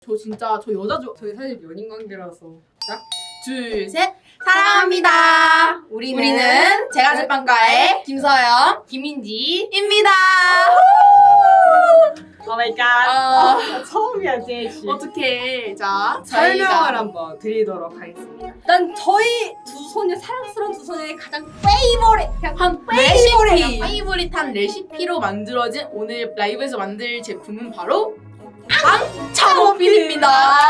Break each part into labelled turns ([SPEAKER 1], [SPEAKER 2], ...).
[SPEAKER 1] 저 여자
[SPEAKER 2] 저희 사실 연인 관계라서.
[SPEAKER 1] 둘, 셋. 사랑합니다. 우리는 제가 제빵과의 김서영, 김민지입니다.
[SPEAKER 2] 오마이갓. 처음이야 제이씨.
[SPEAKER 1] 어떻게 자
[SPEAKER 2] 설명을 한번 드리도록 하겠습니다. 일단 저희 두 소녀, 사랑스러운 두 소녀의 가장
[SPEAKER 1] 페이보릿한 레시피로 만들어진 오늘 라이브에서 만들 제품은 바로 앙차 머핀입니다.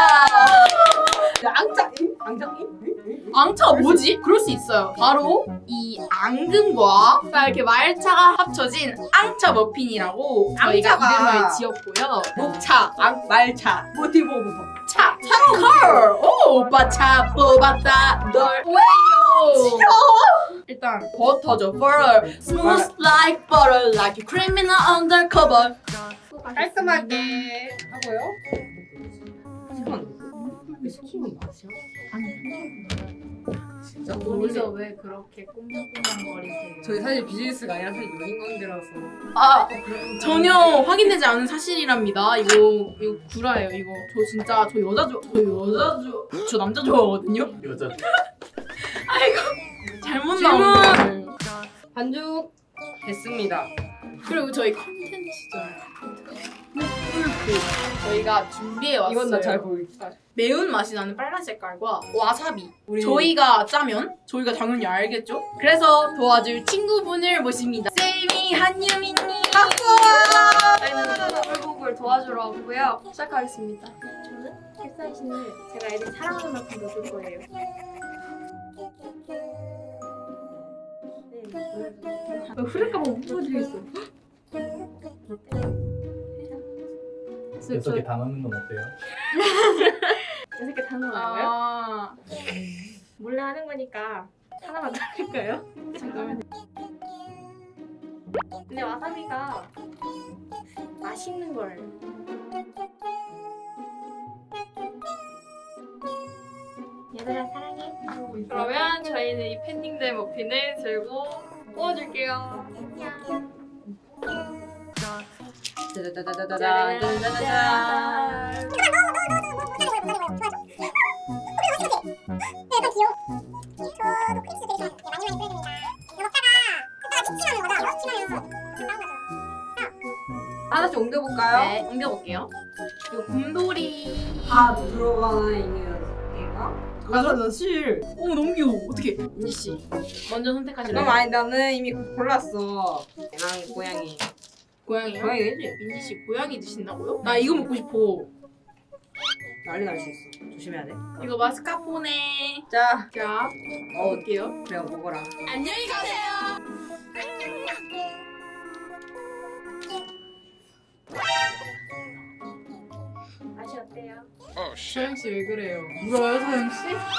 [SPEAKER 1] 앙차가 뭐지? 그럴 수 있어요. 바로 이 앙금과 이렇게 말차가 합쳐진 앙차 머핀이라고 저희가
[SPEAKER 2] 앙차가
[SPEAKER 1] 이름을 지었고요. 녹차,
[SPEAKER 2] 말차, 모티보부터.
[SPEAKER 1] 차, 컬! 오, 오빠 차 뽑았다. 널 왜요? 일단 버터죠. butter. Smooth like butter, like a criminal undercover.
[SPEAKER 2] 깔끔하게 하고요. 시키는 맛이야? 진짜
[SPEAKER 1] 여기서 왜 그렇게 꽁냥꽁냥거리세요?
[SPEAKER 2] 저희 사실 비즈니스가 아니라 사실 연인 관계라서.
[SPEAKER 1] 아, 전혀 확인되지 않은 사실이랍니다. 이거 구라예요. 이거 저 남자 좋아하거든요.
[SPEAKER 3] 여자.
[SPEAKER 1] 아이고 잘못
[SPEAKER 2] 질문!
[SPEAKER 1] 나온 거예요.
[SPEAKER 2] 반죽 됐습니다.
[SPEAKER 1] 그리고 저희 컨텐츠잖아요. 풀프 저희가 준비해 왔어요.
[SPEAKER 2] 이건 나 잘 보이겠다.
[SPEAKER 1] 매운 맛이 나는 빨간 색깔과 와사비.
[SPEAKER 2] 우리
[SPEAKER 1] 저희가 짜면 저희가 당연히 알겠죠? 그래서 도와줄 친구분을 모십니다. 쌤이 한유민님.
[SPEAKER 4] 저희는 꿀곡을 도와주러 왔고요. 시작하겠습니다. 저는 캡사이신을 제가 애들 사랑하는 만큼 넣을 거예요. 네. 흐를까봐 못 보여드리겠어.
[SPEAKER 3] 6개 다 넣는 건 어때요?
[SPEAKER 4] 6개 다 넣어요?
[SPEAKER 1] 아,
[SPEAKER 4] 몰래 하는 거니까 하나만 넣을까요?
[SPEAKER 1] 잠깐만.
[SPEAKER 4] 근데 와사비가 맛있는 걸. 얘들아 사랑해. 그러면 저희는 이 팬딩된 머핀을 들고 구워줄게요. 안녕.
[SPEAKER 2] 짜자자자자자자자자자. 하나씩 옮겨볼까요?
[SPEAKER 1] 네, 옮겨볼게요. 이거 곰돌이.
[SPEAKER 2] 다 들어가는 이유가? 맞아, 나 실.
[SPEAKER 1] 오, 너무 귀여워. 어떡해. 민지씨, 먼저 선택하실래요?
[SPEAKER 2] 그럼 아니, 나는 이미 골랐어. 난 고양이.
[SPEAKER 1] 고양이요?
[SPEAKER 2] 고양이지?
[SPEAKER 1] 민지씨, 고양이 드신다고요? 나 이거 먹고 싶어.
[SPEAKER 2] 난리 날 수 있어. 조심해야 돼.
[SPEAKER 1] 이거 마스카포네.
[SPEAKER 2] 자,
[SPEAKER 1] 자, 먹을게요.
[SPEAKER 2] 그래, 먹어라.
[SPEAKER 1] 안녕히 가세요.
[SPEAKER 4] 맛이 어때요?
[SPEAKER 1] 서영씨 왜 그래요? 울어요, 서영씨?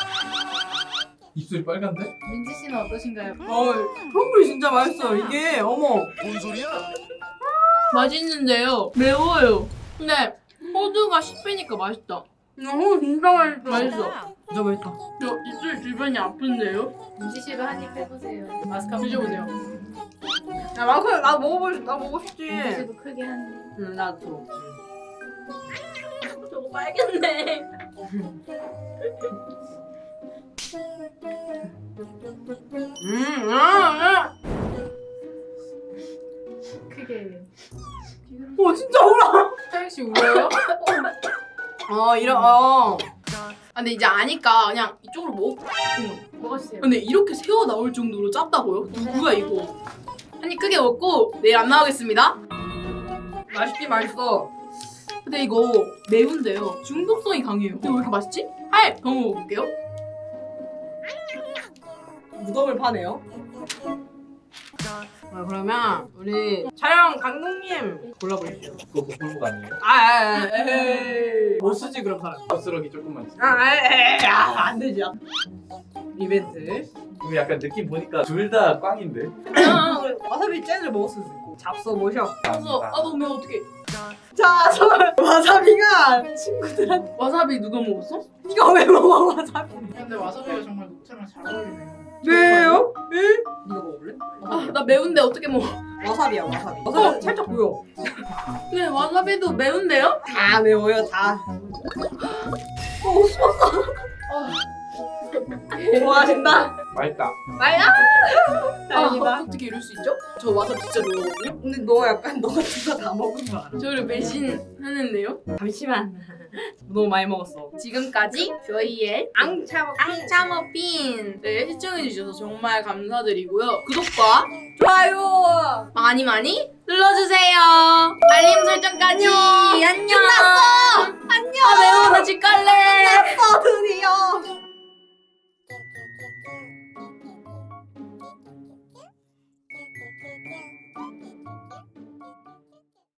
[SPEAKER 3] 입술이 빨간데?
[SPEAKER 1] 민지씨는 어떠신가요?
[SPEAKER 2] 크럼블이 진짜 맛있어. 이게, 어머.
[SPEAKER 3] 뭔 소리야?
[SPEAKER 1] 맛있는데요. 매워요. 근데 호두가 10배니까 맛있다.
[SPEAKER 2] 진짜 맛있어.
[SPEAKER 1] 맛있어.
[SPEAKER 2] 진짜 맛있다.
[SPEAKER 1] 저 입술 주변이 아픈데요?
[SPEAKER 4] 민지씨도 한 입 해보세요.
[SPEAKER 1] 마스카포 드셔보세요.
[SPEAKER 2] 야, 나 먹고 싶지.
[SPEAKER 4] 민지씨도 크게 한 입.
[SPEAKER 2] 응, 나도.
[SPEAKER 1] 저거 빨겠네.
[SPEAKER 4] 크게.
[SPEAKER 2] 진짜 울어.
[SPEAKER 1] 서영씨 울어요? 아, 근데 이제 아니까 그냥 이쪽으로 먹고.
[SPEAKER 4] 먹었어요.
[SPEAKER 1] 근데 이렇게 새어 나올 정도로 짰다고요? 누구야 이거? 한 입 크게 먹고 내일 안 나오겠습니다.
[SPEAKER 2] 맛있지, 맛있어.
[SPEAKER 1] 근데 이거 매운데요. 중독성이 강해요. 근데 왜 이렇게 맛있지? 더 먹어볼게요.
[SPEAKER 2] 무덤을 파네요. 그러면 우리 촬영 감독님 골라보십시오.
[SPEAKER 3] 그거 복불복 아니에요?
[SPEAKER 2] 에이. 못 쓰지 그럼 사람.
[SPEAKER 3] 거스러기 조금만 있어.
[SPEAKER 2] 안 되지. 이벤트.
[SPEAKER 3] 이거 약간 느낌 보니까 둘 다 꽝인데?
[SPEAKER 2] 와사비 잼을 먹었을 수 있고. 잡숴 보셔.
[SPEAKER 1] 그래서 너무 매워 어떡해.
[SPEAKER 2] 자, 저 와사비가 친구들한테
[SPEAKER 1] 와사비 누가 먹었어?
[SPEAKER 2] 이거 왜 먹어 와사비?
[SPEAKER 1] 근데 와사비가 정말 녹차랑 잘 어울리네요.
[SPEAKER 2] 왜요? 네가 먹을래?
[SPEAKER 1] 아, 나 매운데 어떻게 먹어?
[SPEAKER 2] 와사비야 와사비. 와사비 살짝 보여.
[SPEAKER 1] 근데 와사비도 매운데요?
[SPEAKER 2] 다 매워요 다. 좋아하신다.
[SPEAKER 3] 맛있다.
[SPEAKER 2] 다행이다.
[SPEAKER 1] 어떻게 이럴 수 있죠? 저 와사비 진짜 좋아하거든요?
[SPEAKER 2] 근데 너 약간 너가 진짜 다 먹은 거 알아?
[SPEAKER 1] 저를 배신하는데요?
[SPEAKER 2] 잠시만. 너무 많이 먹었어.
[SPEAKER 1] 지금까지 저희의 앙차머핀 네, 시청해주셔서 정말 감사드리고요. 구독과
[SPEAKER 2] 좋아요.
[SPEAKER 1] 많이 많이 눌러주세요. 알림 설정까지. 안녕. 끝났어. 안녕. 아 매워. 나 집 갈래.